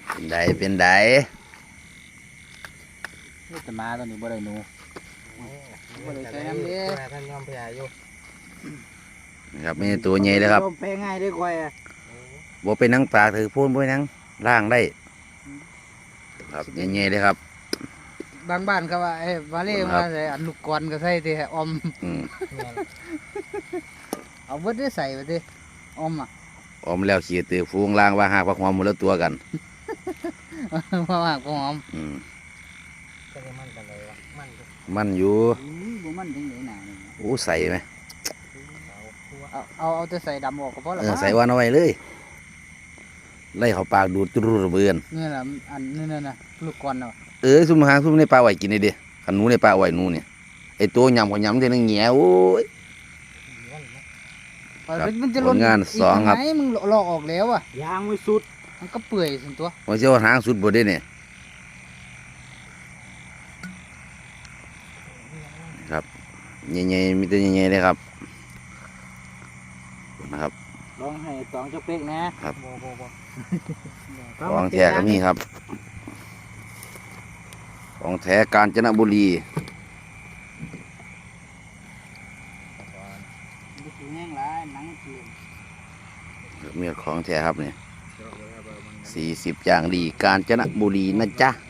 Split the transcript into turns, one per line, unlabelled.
เป็นได
นี่แต่มาตอนนี้บ่ได้หนูบ่ได้ใช้น้ำเด้ท่านยอมแพ้อยู่
ครับมีตัวใหญ่เลยครับ
แพ้ง่ายด้วยควาย
บ่เป็นนังปลาถือพูนบ่เป็นนังล่างได้ครับใหญ่ๆเลยครับ
บางบ้านเขาว่าไอ้มาเล่มาใส่อันลูกกรก็ใส่ที่อมเอาเบิดได้ใส่ไปดิอม
แล้วขี่ตือฟูงล่างว่าหากพักหอมหมดแล้วตัวกัน
ว่าหากพักหอม
มันอยู่
บ่มันจังได๋น่ะ
โอ้ใส่ไหม
เอาแต่ใส่ดำออกก็พอแล้ว
ใส่วันเอาไว้เลยไล่เขาปากดูดตุรุเบือน
นี่แหละอันนี่น่ะลูกกรเนาะ
ซุ่มหางซุ่มในปลาไหวกินได้ดิขันหนูในปลาไหวหนูเนี่ยไอตัวยำก็ยำได้นั่งแง่โอ้ยผลงานสองครับ
มึงลอกออกแล้วยางไม่สุดมันก็เปื่อยสิตัว
ว่าเจ้าหางสุดบดได้เนี่ยครับใหญ่ๆมีตัวใหญ่ๆเลยครับนะครับ
ลองให้ตองเจ้าเป๊กนะครับ
ของแท้ก็มีครับของแท้กาญจนบุรีมีของแท้ครับเนี่ย40อย่างดีกาญจนบุรีนะจ๊ะ